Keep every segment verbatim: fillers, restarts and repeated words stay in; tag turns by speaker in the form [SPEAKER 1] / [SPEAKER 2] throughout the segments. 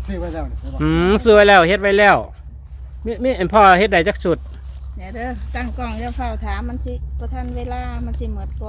[SPEAKER 1] ซื้อไว้แล้วนี่
[SPEAKER 2] อืมซื้อไว้แล้วเฮ็ดไว้แล้วมีมีอันพ่อเฮ็ดได้จักชุด
[SPEAKER 3] เดี๋ยวเด้อตั้งกล้องเดี๋ยวเฝ้าถามมันสิบ่ทันเวลามันสิหมดก่อน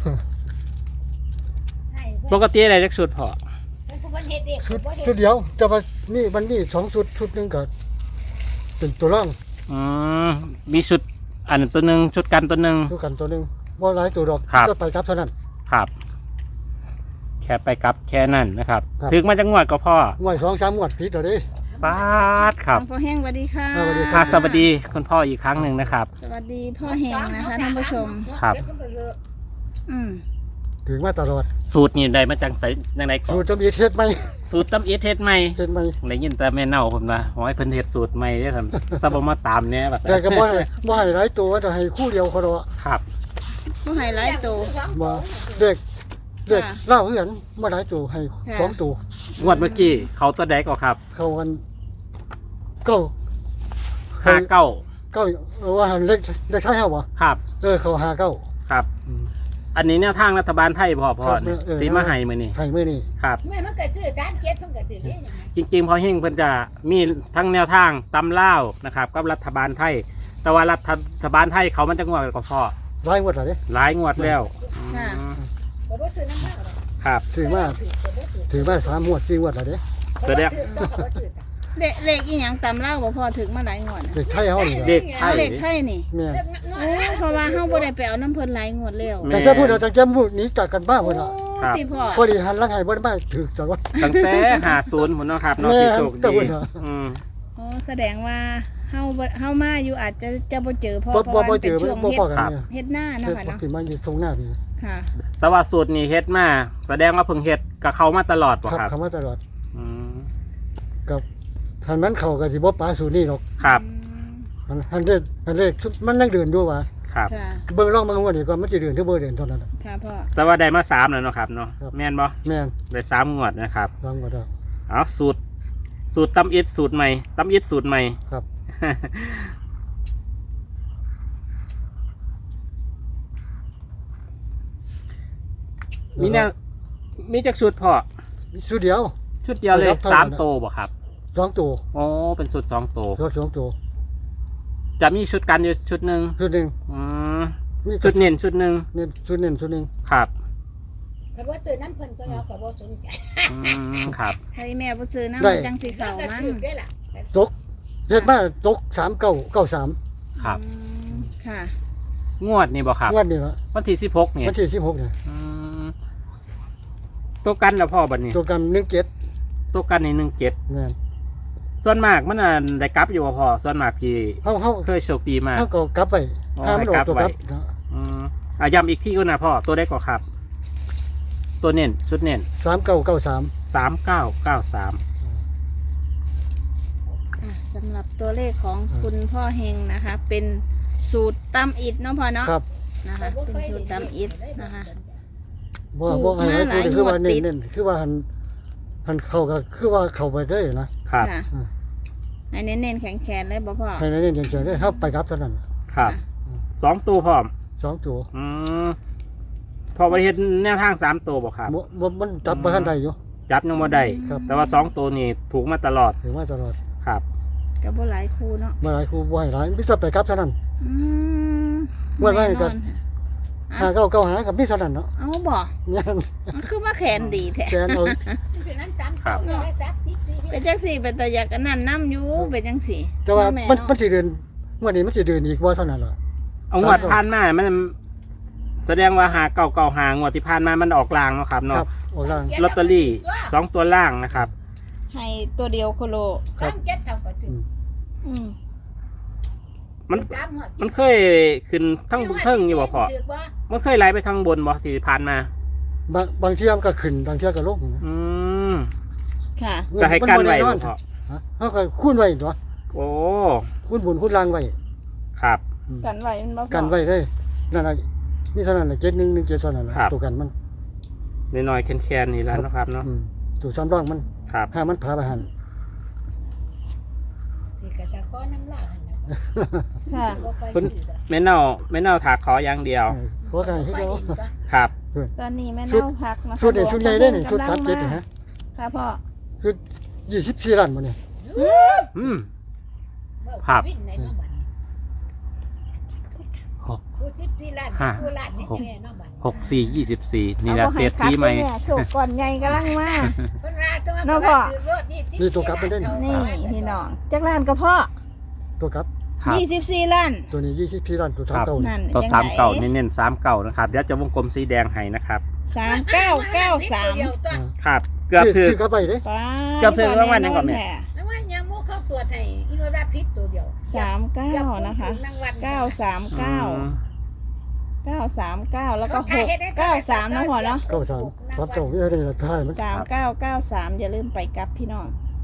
[SPEAKER 2] ปกติได้จักชุดพ่อ
[SPEAKER 1] ชุดชุดเดียวแต่ว่านี่มันมีสองชุดชุดหนึงก็เป็นตัวร่อง
[SPEAKER 2] อืมมีชุดอันตัวหนึงชุดกันตัวหนึง
[SPEAKER 1] ตัวกันตัวหนึงบ่หลายตัวดอก
[SPEAKER 2] ครับ
[SPEAKER 1] ก็ไปครับเท่านั้น
[SPEAKER 2] ครับ แค่ไปกลับแค่นั้นนะครับ
[SPEAKER 1] ครับ
[SPEAKER 2] ถึงมาจังหวัดก็พ่อ
[SPEAKER 1] งวยสองสามงวดติดแล้วเด้
[SPEAKER 2] ป้าดครับ
[SPEAKER 3] พ่อแห้งสวัสดีค่ะ
[SPEAKER 1] สวัสดี
[SPEAKER 2] ค่ะสวัสดีคุณพ่ออีกครั้งหนึ่งนะครับ
[SPEAKER 3] สวัสดีพ่อแห้งนะคะท่านผู้ชม
[SPEAKER 2] ครับ
[SPEAKER 3] อืม
[SPEAKER 1] ถึงมาตลอด
[SPEAKER 2] สูตรนี่ได้มาจากไสจังไดก่อ
[SPEAKER 1] สู
[SPEAKER 2] น
[SPEAKER 1] ตรจะมีเทศไหม
[SPEAKER 2] สูตรตำเอสเฮ็ดใหม่
[SPEAKER 1] เทศไหม
[SPEAKER 2] ได้ยินแต่แม่เน่าผมนะขอให้เพิ่นเฮ็ดสูตรใหม่เด้อครับถ้าบ่มาตามแหน่บัด
[SPEAKER 1] แต่ก็บ่ให้บ่ให้หลายตัวจะให้คู่เดียวเขาดอก
[SPEAKER 2] ครับ
[SPEAKER 3] ผู้ไฮไลท์ตัว
[SPEAKER 1] บ่เด็กเด็ก
[SPEAKER 3] ค่ะ
[SPEAKER 1] เล่าเหือนบ่หลายตัวให้
[SPEAKER 3] ค่ะ
[SPEAKER 1] สองตัว
[SPEAKER 2] งวดเมื่อกี้เขาตัวใดก็ครับ
[SPEAKER 1] เขากันเก้า
[SPEAKER 2] ห้าเก้า
[SPEAKER 1] เก้าเออว่าหันเล็กเล็กไทยเฮาบ่
[SPEAKER 2] ครับ
[SPEAKER 1] เออเขาหาเก้า
[SPEAKER 2] ครับ อันนี้แนวทางรัฐบาลไทยพ่อพ่อ
[SPEAKER 1] ครับ
[SPEAKER 2] นี่
[SPEAKER 1] เออ
[SPEAKER 2] ที่มาให้มื้อนี้
[SPEAKER 1] ให้มื้อนี้
[SPEAKER 2] ครับ
[SPEAKER 4] แม่มันเกิดชื่อจานเก็ดเพิ่งเกิดชื่อเด้
[SPEAKER 2] จริงๆพอเฮงเพิ่นจะมีทั้งแนวทางตำล่าวนะครับกับรัฐบาลไทย แต่ว่ารัฐบาลไทยเขามันจะงวดก็พอ
[SPEAKER 1] หลายงวดแล้วเด้
[SPEAKER 2] หลายงวดแล้ว
[SPEAKER 3] ค่ะ
[SPEAKER 2] อืม
[SPEAKER 4] บ่บ่ชื่อน้ำมากหรอก
[SPEAKER 2] ครับ
[SPEAKER 1] ถือว่าถือว่าสามงวดสี่งวดแล้วเด้
[SPEAKER 2] แสดง
[SPEAKER 4] บ่ชื่อต้องบ่ชื่อ
[SPEAKER 3] เลขเลขอีหยังตำเล่าบ่พอถึงมาหลายงวดน่ะ
[SPEAKER 1] เด็กไทยเฮานี่
[SPEAKER 2] เด็กไท
[SPEAKER 3] เอา
[SPEAKER 2] ย
[SPEAKER 3] เลขไทยนี่
[SPEAKER 1] แม่
[SPEAKER 3] โอ้เพราะว่าเฮาบ่ได้ไปเอาน้ำเพิ่นหลายงวดแล้ว
[SPEAKER 2] แม่
[SPEAKER 1] แต่จะพูดเอาแต่จะพูดหนีจากกันบ้า
[SPEAKER 3] โอ้
[SPEAKER 1] พุ่นน่ะ
[SPEAKER 2] ครับ
[SPEAKER 3] ติพ่อ
[SPEAKER 1] พอดีหันหลังให้บ่ได้มาถือจังว่า
[SPEAKER 2] ตั้งแต่หาศูนย์ผมเนาะครับเนาะ
[SPEAKER 1] แม่
[SPEAKER 2] ที่โชค
[SPEAKER 1] แต่
[SPEAKER 2] ดี
[SPEAKER 1] ว่า
[SPEAKER 2] อืม
[SPEAKER 3] อ๋อแสดงว่าเฮาบ่เฮามาอยู่อาจจะจะบ่เจอพ่อ
[SPEAKER 1] บ่
[SPEAKER 3] เพราะ
[SPEAKER 1] บ่
[SPEAKER 3] ว่า
[SPEAKER 1] บ่
[SPEAKER 3] มัน
[SPEAKER 1] เจ
[SPEAKER 3] เป็น
[SPEAKER 1] อ
[SPEAKER 3] ช่วง
[SPEAKER 1] บ่
[SPEAKER 3] เฮ็
[SPEAKER 1] พอ
[SPEAKER 3] ด
[SPEAKER 1] กันเนี่ย
[SPEAKER 3] เฮ็ดหน้าเนาะ
[SPEAKER 1] เฮ็ด
[SPEAKER 3] ค่ะเนาะ
[SPEAKER 1] สิมาอยู่ตรงหน้านี่
[SPEAKER 3] ค่ะ
[SPEAKER 2] แต่ว่าสูตรนี้เฮ็ดมาแสดงว่าเพิ่งเฮ็ดกับเขามาตลอดป่ะ
[SPEAKER 1] ครับ
[SPEAKER 2] ครับ
[SPEAKER 1] คำว่าตลอด
[SPEAKER 2] อืม
[SPEAKER 1] กับทันมันเข้าก็สิบ่ปาสู่นี่หรอก
[SPEAKER 2] ครับ
[SPEAKER 1] หันหันเด็กหันเด็กมันยังเดินอยู่ว่า
[SPEAKER 2] ครับ
[SPEAKER 3] ค่ะ
[SPEAKER 1] เบิ่งร่องเบิ่งว่านี่ก่อนมันสิเดินถึงบ่เดินเท่านั้นน่ะ
[SPEAKER 3] ค่ะพ่อ
[SPEAKER 2] แต่ว่าได้มาสามแล้วเนาะครับเนาะ
[SPEAKER 1] ครับ
[SPEAKER 2] แม่นบ่
[SPEAKER 1] แม่น
[SPEAKER 2] ได้สามงวดนะครับ
[SPEAKER 1] ลองก็ได้
[SPEAKER 2] เอาสูตร สูตรตำอิดสูตรใหม่ตำอิดสูตรใหม่
[SPEAKER 1] ครับ
[SPEAKER 2] มีแนวมีจักชุดพ่อ
[SPEAKER 1] ชุดเดียว
[SPEAKER 2] ชุดเดียวเลย
[SPEAKER 1] ครับเท่านั้น
[SPEAKER 2] สามโตวบ่ครับ
[SPEAKER 1] สองตัว
[SPEAKER 2] อ๋อเป็นชุดสองโตว
[SPEAKER 1] รถสองตัว
[SPEAKER 2] จะมีชุดกันอยู่ชุดหนึ่ง
[SPEAKER 1] ชุดหนึง
[SPEAKER 2] อืม
[SPEAKER 1] มี
[SPEAKER 2] ชุดเน้นชุดหนึ่ง
[SPEAKER 1] เน้นชุดเน้นชุดหนึง
[SPEAKER 2] ครับ
[SPEAKER 4] คันว่าชื่อน้ำเพิ่นก็เราก็บ่สนใจ
[SPEAKER 2] อืมครับ
[SPEAKER 3] ให้แม่บ่ซื้อน้ำมันจังสิ
[SPEAKER 4] เรา
[SPEAKER 3] เข้า
[SPEAKER 4] ก็
[SPEAKER 3] มัน
[SPEAKER 4] ชื่อได้ล่ะ
[SPEAKER 1] ตกเฮ็ดมาตกสามเก้าเก้าสาม
[SPEAKER 2] ครับ
[SPEAKER 3] อืมค่ะ
[SPEAKER 2] งวดนี่บ่ครับ
[SPEAKER 1] งวดนี้ละ
[SPEAKER 2] วันที่สิบหกเนี่ย
[SPEAKER 1] วันที่สิบหกเนี่ย
[SPEAKER 2] อืมตัวกันแล้วพ่อบัดนี้
[SPEAKER 1] ตัวกันหนึ่งเจ็ด
[SPEAKER 2] ตัวกันในหนึ่งเจ็ด
[SPEAKER 1] แม่น
[SPEAKER 2] ส่วนมากมันน่ะได้กลับอยู่บ่พ่อส่วนมากที่
[SPEAKER 1] เฮาเฮา
[SPEAKER 2] เคยโชคดีมาก
[SPEAKER 1] เฮาก็กลับไป
[SPEAKER 2] อ๋อ
[SPEAKER 1] ถ้ามันออกตัวก
[SPEAKER 2] ให้กลั
[SPEAKER 1] ลั
[SPEAKER 2] บบ ไว้
[SPEAKER 1] เนาะ
[SPEAKER 2] อืมอ่ะย้ำอีกที่ก็นะพ่อตัวได้ก็ครับ ตัวเน้นชุดเน้น
[SPEAKER 1] สามเก้าเก้าสาม
[SPEAKER 2] สามเก้าเก้าสาม
[SPEAKER 3] อ่ะสำหรับตัวเลขของคุณพ่อเฮงนะคะ เป็นสูตรตำอิดเนาะพ่อเนาะ
[SPEAKER 1] ครับ
[SPEAKER 3] นะคะ เป็นสูตรตำอิดนะคะ
[SPEAKER 1] บ่
[SPEAKER 3] สูตร
[SPEAKER 1] บ่ให้
[SPEAKER 3] มาหลาย
[SPEAKER 1] คือว่าง
[SPEAKER 3] วด
[SPEAKER 1] เน้
[SPEAKER 3] ติ
[SPEAKER 1] น
[SPEAKER 3] ด
[SPEAKER 1] เน้นคือว่าหันหันเข้าก็คือว่าเข้าไปได้นะ
[SPEAKER 2] ครับ
[SPEAKER 3] ค่ะ
[SPEAKER 1] อืม
[SPEAKER 3] ให้เน้นๆแข็งๆเลยบ่พ่อ
[SPEAKER 1] ให้เน้นอย่างเฉยๆได้เฮาไปกลับเท่านั้น
[SPEAKER 2] ครับสองตัวพร้อม
[SPEAKER 1] สองตัว
[SPEAKER 2] อืมพอไปเห็นแนวทางสามตัวบ่ครับ
[SPEAKER 1] บ่บ่มันจับบ่ทันได้อยู่
[SPEAKER 2] จับยังบ่ได้
[SPEAKER 1] ครับ
[SPEAKER 2] แต่ว่าสองตัวนี่ถูกมาตลอด
[SPEAKER 1] ถือว่าตลอด
[SPEAKER 2] ครับ
[SPEAKER 3] กับบ่หลายคู่เนาะ
[SPEAKER 1] บ่หลายครูบ่ให้หลายมีแต่ไปกลับเท่านั้น
[SPEAKER 3] อืม
[SPEAKER 1] ว่าไว้
[SPEAKER 3] แน่น
[SPEAKER 1] ก่
[SPEAKER 3] อ
[SPEAKER 1] อน
[SPEAKER 3] นค่ะ
[SPEAKER 1] หาเก้าเก้าหากับมีเท่านั้นเนาะ
[SPEAKER 3] เอาบ่
[SPEAKER 1] เนี่ย
[SPEAKER 3] มันคือว่าแขนดีแท้
[SPEAKER 1] แกนเอา
[SPEAKER 4] ชื่อน้ำจำเก่าได้จับสิบสิ
[SPEAKER 3] เป็นจังสี่เป็นตาอยากอันนั้นน้ำอยู่เป็นจังสี่
[SPEAKER 1] แต่ว่า
[SPEAKER 3] แม่
[SPEAKER 1] มัน
[SPEAKER 3] เนาะ
[SPEAKER 1] มันสิเดินงวดนี้มันสิเดินอีกบ่เท่านั้นล่ะ
[SPEAKER 2] เอางวดผ่านมามัน แสดงว่าหาเก่าเก่าหางวดที่ผ่านมามันออกลางเนาะครับ
[SPEAKER 1] ครั
[SPEAKER 2] เนาะ
[SPEAKER 1] บออกล่าง
[SPEAKER 2] ลอตเตอรี่สองตัวล่างนะครับ
[SPEAKER 3] ให้ตัวเดียวโคโล
[SPEAKER 1] ครับ
[SPEAKER 4] ตั้งเก็ดเก่าก็ชื่อ
[SPEAKER 3] อืม
[SPEAKER 2] มัน
[SPEAKER 4] จำหมด
[SPEAKER 2] มันเคยขึ้นทั้งบนเทิงอยู่บ่พอมันเคยไหลไปทางบนบ่ที่ผ่านมา
[SPEAKER 1] บางบางเที่ยมันก็ขึ้นบางเที่ยก็ลงนะ
[SPEAKER 2] อืม
[SPEAKER 3] ค่ะ
[SPEAKER 2] จะให้กันไว้
[SPEAKER 1] มั
[SPEAKER 2] บ่
[SPEAKER 1] บ่ด้
[SPEAKER 2] พอ
[SPEAKER 1] ฮะเฮาก็คูณไว้ตัว
[SPEAKER 2] โอ้
[SPEAKER 1] คูณบุญคูณล่างไว้
[SPEAKER 2] ครับ
[SPEAKER 3] กันไว้มันบ่พอ
[SPEAKER 1] กันไว้เลยนั่นน่ะมีเท่านั้นน่ะเจ็ดหนึ่งหนึ่งเจ็ดเท่านั้นน่ะ
[SPEAKER 2] ครับ
[SPEAKER 1] ตัวกันมัน
[SPEAKER 2] น้อยๆแคนๆนี่แหล้วนาะครับเนาะ
[SPEAKER 1] อืมตัวซ้ำร่องมัน
[SPEAKER 2] ครับ
[SPEAKER 1] ถ้ามันพาไปหัน
[SPEAKER 4] ที่กระจะก้อนน้ำลาย
[SPEAKER 3] ค่ะ
[SPEAKER 2] คุณ แม่เน่าแม่เน่าถากขออย่างเดียว
[SPEAKER 1] เออขอกันให้เดียว
[SPEAKER 2] ครับ
[SPEAKER 3] ตอนนี้แม่เน่าพักนะคะ
[SPEAKER 1] ชุดนี่ชุดใหญ่ได้นี่ชุด
[SPEAKER 3] กำลั
[SPEAKER 1] สาม
[SPEAKER 3] ง
[SPEAKER 1] เจ็ด
[SPEAKER 3] มา
[SPEAKER 1] นี่ฮะ
[SPEAKER 3] ค่ะพ่อ
[SPEAKER 1] ชุดยี่สิบสี่ล้านบ่เนี่ย
[SPEAKER 2] อืม ครับ
[SPEAKER 4] วิ่งในน้องบัน
[SPEAKER 2] หก
[SPEAKER 4] ผู้สิบสี่ล้าน
[SPEAKER 2] ห้า
[SPEAKER 4] ผู้ล้านนี่แน่น้องบัน
[SPEAKER 2] หกสี่ยี่สิบสี่นี่แหละ
[SPEAKER 3] อาบ่
[SPEAKER 2] เศรษฐีใหม่
[SPEAKER 3] ให้กลับเด้อแโศกก่อนใหญ่กำลังมา
[SPEAKER 4] เพิ่นว่าตัว
[SPEAKER 3] น้องพ่อ
[SPEAKER 1] นี่ตัวกลับไปได้นี่
[SPEAKER 3] นี่พี่น้องจักล้านก็พ่อ
[SPEAKER 1] ตัวครับ
[SPEAKER 2] ครับ
[SPEAKER 3] ยี่สิบสี่ล้าน
[SPEAKER 1] ตัวนี้ยี่สิบสี่ล้านตัวสามเก้า
[SPEAKER 3] นั่น
[SPEAKER 2] ตัว
[SPEAKER 3] จัง
[SPEAKER 2] สามเก่า
[SPEAKER 3] ได
[SPEAKER 2] เน้นๆสามเก่านะครับเดี๋ยวจะวงกลมสีแดงให้นะครับ
[SPEAKER 3] สามเก้าเก้าสาม
[SPEAKER 2] ครับเกือบถือ
[SPEAKER 1] ชื่อกลับไปเด้
[SPEAKER 3] ป้า
[SPEAKER 2] เกือบถึงรางวัลยังก่อนแม่
[SPEAKER 4] แล้วว่ายังโมเข้าตัวจให้อีโนราพิษตัวเดียว
[SPEAKER 3] สามเก้านะคะเก้าสามเก้าเก้าสามเก้าแล้วก็หกเก้าสามนะพ่อเนาะ
[SPEAKER 1] เก้าสามสามเก้านี่อะไรล่ะท้ายมัน
[SPEAKER 3] สามเก้าเก้าสามอย่าลืมไปกลับพี่น้อง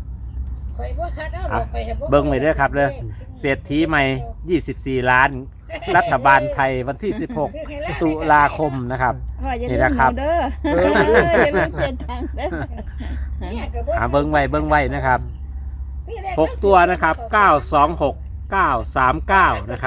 [SPEAKER 2] เบิ่งไว้เด้อครับเด้อ เศรษฐีใหม่ยี่สิบสี่ล้าน รัฐบาลไทยวันที่สิบหกตุลาคมนะครับ
[SPEAKER 3] พ่ออย่า
[SPEAKER 2] นี่
[SPEAKER 3] ลืม
[SPEAKER 2] นะ
[SPEAKER 3] ห
[SPEAKER 2] ครั
[SPEAKER 3] นู
[SPEAKER 2] บ
[SPEAKER 3] เด้อเอออย่าลืมเปลี่ยนทางเด้อ
[SPEAKER 2] หาเบิ้งไว้เบิ้งไว้นะครับหกตัวนะครับเก้าสองหก เก้าสามเก้านะครับ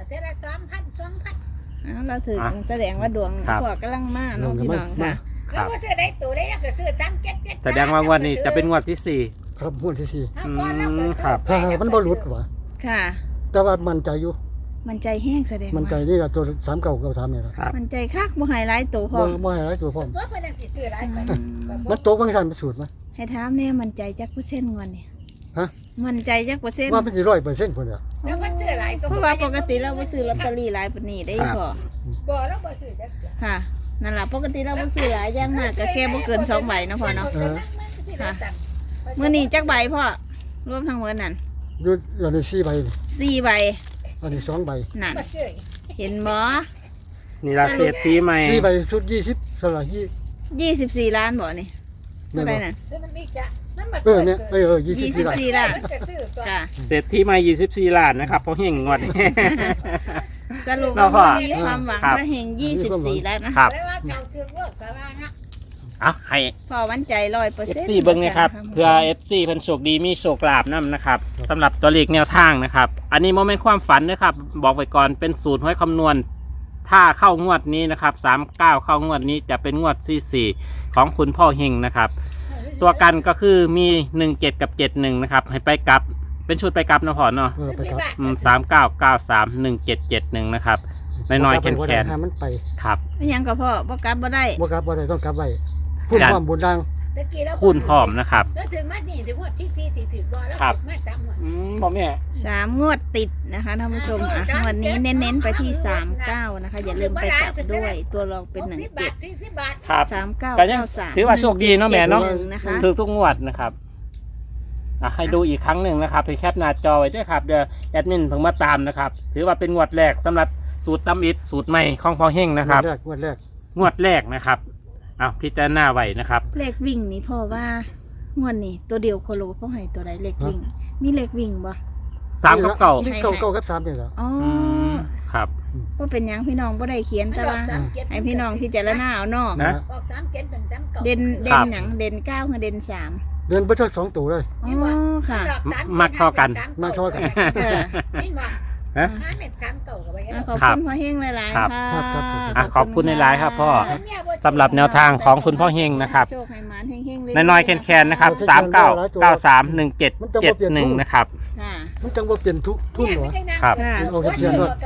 [SPEAKER 3] เอาเราถือ
[SPEAKER 2] อ่ะ
[SPEAKER 3] แสดงว่าดวง
[SPEAKER 2] ครับ
[SPEAKER 3] พ่อกำลังมาเน้องพี่น้องค่ะ
[SPEAKER 4] แล้วก็ซื้อได้ตัวได้ก็ซื้อซ้ำเก็ตเก็ต
[SPEAKER 2] แสดงว่างวดนี้จะเป็นงวดที่สี่
[SPEAKER 1] ครับงวดที่สี่
[SPEAKER 2] ครับ
[SPEAKER 1] ถ้ามันบ่หลุดว่ะ
[SPEAKER 3] ค่ะ
[SPEAKER 1] แต่ว่ามั่นใจอยู่
[SPEAKER 3] มันใจแห้งแสดง
[SPEAKER 1] มั่นใจ
[SPEAKER 3] ว่า
[SPEAKER 1] นี่ล่ะตัวสามเก้าเก้าสามนี่ล่ะ
[SPEAKER 3] มันใจคักบ่ใหายไลายตัวพ่อ
[SPEAKER 1] บ่บ่ให้หลายตัวพร้อม
[SPEAKER 4] ตัวเพิ่นยังสิซื้อได้ไป
[SPEAKER 1] มันตกบางซั่นมันสูตรมา
[SPEAKER 3] ให้ถามแน่มันใจจักเปอร์เซ็นต์งวดนี่
[SPEAKER 1] ฮะ
[SPEAKER 3] มันใจจักเปอร์เซ็นต์
[SPEAKER 1] ว่ามันสิร้อยเปอร์เซ็นต์พุ่นน่ะ
[SPEAKER 4] แล้วมันซื้อหลายตัว
[SPEAKER 3] เพราะว่าปกติเราบ่ซื้อลอตเตอรี่หลายปานนี้ได้พ่อ
[SPEAKER 4] บ่แล้วบ่ซื้อจัก
[SPEAKER 3] ค่ะนั่นล่ะปกติเราบ่ซื้อหลายอย่างมากก็แค่บ่เกินสองใบเนาะพ่อเนาะมื้อนี้จักใบพ่อรวมทั้งหมดนั่น
[SPEAKER 1] อยู่อยู่ในสี่ใบนี่
[SPEAKER 3] สี่ใบ
[SPEAKER 1] อันนี้สองใบ
[SPEAKER 3] นั่น
[SPEAKER 4] บ่ซื้อ
[SPEAKER 3] เห็นบ่
[SPEAKER 2] นี่ละเศรษฐีใหม่
[SPEAKER 1] สี่ใบชุดยี่สิบสลากยี่
[SPEAKER 3] ยี่สิบสี่ล้านบ่นี่
[SPEAKER 1] แม่
[SPEAKER 3] เท่าน ใดนั่น
[SPEAKER 4] ซื้อมันอีกจ้ะนั่นบ่
[SPEAKER 1] เออเนี่ยเออเออยี่สิบ
[SPEAKER 3] ยี่สิ
[SPEAKER 1] สี่
[SPEAKER 3] บ
[SPEAKER 1] ล้าน
[SPEAKER 3] สี่ล้าน
[SPEAKER 4] ซื้อตัว
[SPEAKER 3] ค่ะ
[SPEAKER 2] เศรษฐีใหม่ยี่สิบสี่ล้านนะครับเพราะเฮงงวดนี้
[SPEAKER 3] สรุป
[SPEAKER 2] เรา
[SPEAKER 3] ว่า
[SPEAKER 2] ก็
[SPEAKER 3] มีความหวัง
[SPEAKER 2] ครับ
[SPEAKER 3] ว่าเฮงยี่สิบสี่ล้านนะครับ
[SPEAKER 4] แล้วว่าเจ้าคือว่าก็ว่านะ
[SPEAKER 2] เอาให้
[SPEAKER 3] พอวันใจร้อยเปอร์
[SPEAKER 2] เอฟ
[SPEAKER 3] เซ็นต์
[SPEAKER 2] ซีเบิ้งนะครับเพื่อ เอฟ ซี เพิ่นโชคดีมีโชคลาภนํนะครับสำหรับตัวเลขแนวทางนะครับ อันนี้โมเมนต์ความฝันนะครับ บอกไว้ก่อนเป็นสูตรห้อยคำนวณ ถ้าเข้างวดนี้นะครับสามเก้าเข้างวดนี้จะเป็นงวดที่สี่ของคุณพ่อเฮงนะครับ ตัวกันก็คือมีหนึ่งเจ็ดกับเจ็ดหนึ่งนะครับให้ไปกลับเป็นชุดไปกลับนะพอเนาะ
[SPEAKER 1] เออไปครับ
[SPEAKER 2] สามเก้าเก้าสามหนึ่งเจ็ดเจ็ดหนึ่งนะครับน้อยๆแขน
[SPEAKER 1] ให้มันไป
[SPEAKER 2] ๆครับ
[SPEAKER 3] ไม่ยังก็พ่อบ่กลับบ่ได้
[SPEAKER 1] บ่กลับบ่ได้ต้องกลับไว้พูดความบุญดัง
[SPEAKER 4] ตะกี้แล้ว
[SPEAKER 2] คูณพร้อมนะครับ
[SPEAKER 4] แล้วถึงมานี่ถึงว่าที่ที่ที่ถึงบ่แล้วมาจำว่า
[SPEAKER 2] อืมบอกแม่
[SPEAKER 3] สามงวดติดนะคะท่านผู้ชมอ่ะงวดนี้เน้นๆไปที่สามเก้านะคะอย่าลืมไปกลับด้วยตัวรองเป็นหนึ่งเจ็ด
[SPEAKER 4] สี่สิบบาท
[SPEAKER 2] ครับ
[SPEAKER 3] สามเก้า
[SPEAKER 2] ก็ยัง
[SPEAKER 3] เก้าสาม
[SPEAKER 2] ถือว่าโชคดีเนาะแม่เนาะ
[SPEAKER 3] หงนะคะ
[SPEAKER 2] ถือทุกงวดนะครับอ่ะให้ดูอีกครั้งหนึ่งนะครับไปแคปหน้าจอไว้ด้วยครับเดี๋ยวแอดมินเพิ่งมาตามนะครับ ถือว่าเป็นงวดแรกสำหรับสูตรตำอิดสูตรใหม่ของพ่อเฮงนะครับ
[SPEAKER 1] งวดแรกงวดแรก
[SPEAKER 2] งวดแรกนะครับเอาพิจารณาไว้นะครับ
[SPEAKER 3] เลขวิ่งนี่พ่อว่างวดนี้ตัวเดียวโคโลพ่อให้ตัวใดเลขวิ่ง มีเลขวิ่งบ่
[SPEAKER 2] สามกับเก่า
[SPEAKER 1] นี่เก่าเก่ากับสามนี่แหละ
[SPEAKER 3] อ๋อ
[SPEAKER 2] อืมครับ
[SPEAKER 3] บ่เป็นหยังพี่น้องบ่ได้เขียนแต่ว่าให้พี่น้องพิจารณาเอาเนาะ
[SPEAKER 2] นะ
[SPEAKER 4] ออกสามเก็ตเป็นสามเก่า
[SPEAKER 3] เด่นเด่
[SPEAKER 2] ครั
[SPEAKER 3] น
[SPEAKER 2] บ
[SPEAKER 3] หยังเด่นเก้าคือเด่นสาม
[SPEAKER 1] เดินไปทั้งสองตัวเลย
[SPEAKER 3] อ๋อค่ะ
[SPEAKER 2] มักเท่ากัน
[SPEAKER 1] มักเท่ากัน
[SPEAKER 4] นี่มา
[SPEAKER 2] ฮะ
[SPEAKER 4] ห้าเม็ดสามเก่ากับไป
[SPEAKER 3] อ่ะขอบ
[SPEAKER 2] ครั
[SPEAKER 3] คุ
[SPEAKER 2] บ
[SPEAKER 3] ณพ่อเฮงหลาย
[SPEAKER 2] ครับ
[SPEAKER 3] ๆค่ะ
[SPEAKER 1] ครับครับครับ
[SPEAKER 2] อ่ะขอบคุณหลายๆครับพ่อ สำหรับแนวทางของคุณพ่อเฮงนะครับ
[SPEAKER 3] โชคให้หมานเฮงๆเรื่
[SPEAKER 2] น้อยๆแคนๆนะครับสามเก้าเก้าสามหนึ่งเจ็ดเจ็ดหนึ่งนะครับ
[SPEAKER 3] ค่ะ
[SPEAKER 1] มันจังว่าเปลี่ยนทุกทุนเหรอ
[SPEAKER 2] ครับ
[SPEAKER 1] เอาเขียนด้วย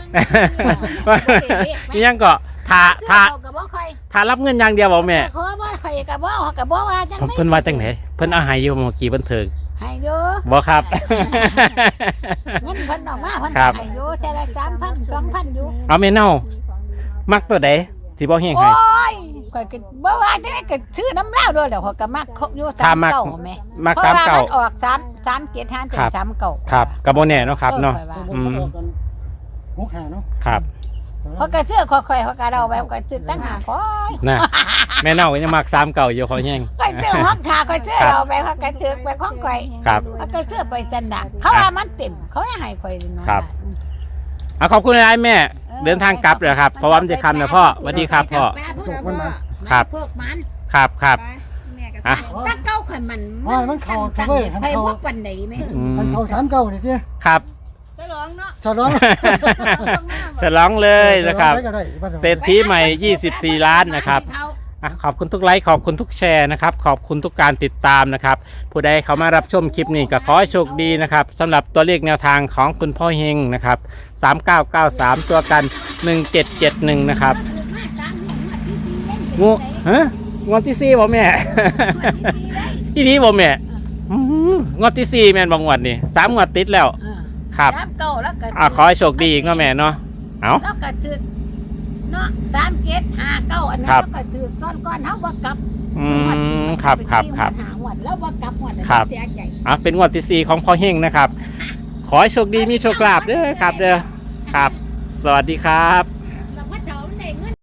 [SPEAKER 2] นี่ยังก็ทาทา
[SPEAKER 4] กับว่าใคร
[SPEAKER 2] ทารับเงินอย่างเดียวบอกแม่
[SPEAKER 4] ขอว่าใครกับว่ากับว่าว่าจัง
[SPEAKER 2] ผมเพิ่นว่าจังไหนเพิ่นเอาใหายอยู่เมื่อกี้เพิ่นเถิง
[SPEAKER 4] ให้เยอะ
[SPEAKER 2] บ่ครับ
[SPEAKER 4] เงินเพิ่นออกมาเพิ่น
[SPEAKER 2] ครับ
[SPEAKER 4] ให้เยอะแต่ละสามพันสองพันอยู่
[SPEAKER 2] เอาแม่เน่ามักตัวใดที่บ่เฮง
[SPEAKER 4] โอ้
[SPEAKER 2] ให้
[SPEAKER 4] ยข่อยก็บ่ว่าจังได๋ก็ซื้อน้ำเหล้าด้วยแล้วข่อยก็มักอยู่
[SPEAKER 2] ถ้า
[SPEAKER 4] สาม
[SPEAKER 2] มัก
[SPEAKER 4] เก่าแม่
[SPEAKER 2] มัก
[SPEAKER 4] เพ
[SPEAKER 2] สา
[SPEAKER 4] ราะ
[SPEAKER 2] ม
[SPEAKER 4] ว่า
[SPEAKER 2] เก่า
[SPEAKER 4] มันออกสาม สามเกียรติห้า
[SPEAKER 2] ครับ
[SPEAKER 4] สามเก่า
[SPEAKER 2] ครับกับบ่แน่เนาะครับเนาะ อืม
[SPEAKER 1] หกหาเนาะ
[SPEAKER 2] ครับ
[SPEAKER 4] เพราะก็ซื้อค่อยๆเขาก็เอาแบบก็ซื้อตั้งหาค่อย
[SPEAKER 2] นะแม่เน่ายังมักสามเก่าอยู่เขาแฮง
[SPEAKER 4] ก็ซื้อห้องขาก็ซื้อเอาแบบเขาก็ซื้อแบบของข่อย
[SPEAKER 2] ครับ
[SPEAKER 4] เขาก็ซื้อไปจันดาเขาว่ามันเต็มเขาให้ข่อยน้อย
[SPEAKER 2] ครับ เอาขอบคุณหลายๆแม่ เดินทางกลับเลยครับเพราะว่ามันจะคำนะพ่อสวัสดีครับพ่อ ครับ
[SPEAKER 4] พวกมัน
[SPEAKER 2] ครับครับ
[SPEAKER 3] แม่กับ
[SPEAKER 2] อ่ะ
[SPEAKER 4] ตั้งเก้าข่อยมัน
[SPEAKER 1] อ๋อมันเข้าเว้ยมัน
[SPEAKER 4] ข่อย
[SPEAKER 1] เข้า
[SPEAKER 4] พวกปันไหนแม่
[SPEAKER 2] อืม
[SPEAKER 1] มันเข้าสามเก้านี่สิ
[SPEAKER 2] ครับ
[SPEAKER 3] จะร้องเนาะ
[SPEAKER 1] ฉลอง
[SPEAKER 2] ฉลองเลยนะครับ
[SPEAKER 1] ฉลองได้ก็ได้
[SPEAKER 2] เศรษฐีใหม่ยี่สิบสี่ล้านนะครับอ่ะขอบคุณทุกไลค์ขอบคุณทุกแชร์นะครับขอบคุณทุกการติดตามนะครับผู้ใดเข้ามารับชมคลิปนี้ก็ขอให้โชคดีนะครับสำหรับตัวเลขแนวทางของคุณพ่อเฮงนะครับสามเก้าเก้าสามตัวกันหนึ่งเจ็ดเจ็ดหนึ่งนะครับงูฮะงวดที่สี่บ่แม่ ที่นี้บ่แม่อืมงวดที่สี่แม่นบ่งวดนี่สามงวดติดแล้วครับ
[SPEAKER 4] สามเก้าแล้วก็
[SPEAKER 2] อ่ะขอให้โชคดีอีกเนาะแม่เนาะเอา
[SPEAKER 4] แล้วก็ถือเนาะสามเจ็ดห้าเก้าอันนั้น
[SPEAKER 2] ครับ
[SPEAKER 4] แล้วก็ถือก้อนก้อนๆเฮาบ่กลับ
[SPEAKER 2] อืมครับครับครับ
[SPEAKER 4] หาหวดแล้วบ่กลับหวด
[SPEAKER 2] ครับ
[SPEAKER 4] เสียใจ
[SPEAKER 2] อ่ะเป็นงวดที่สี่ของพ่อเฮงนะครับ ขอให้โชคดีมีโชคลาภเด้อครับเด้อครับ สวัสดีครับ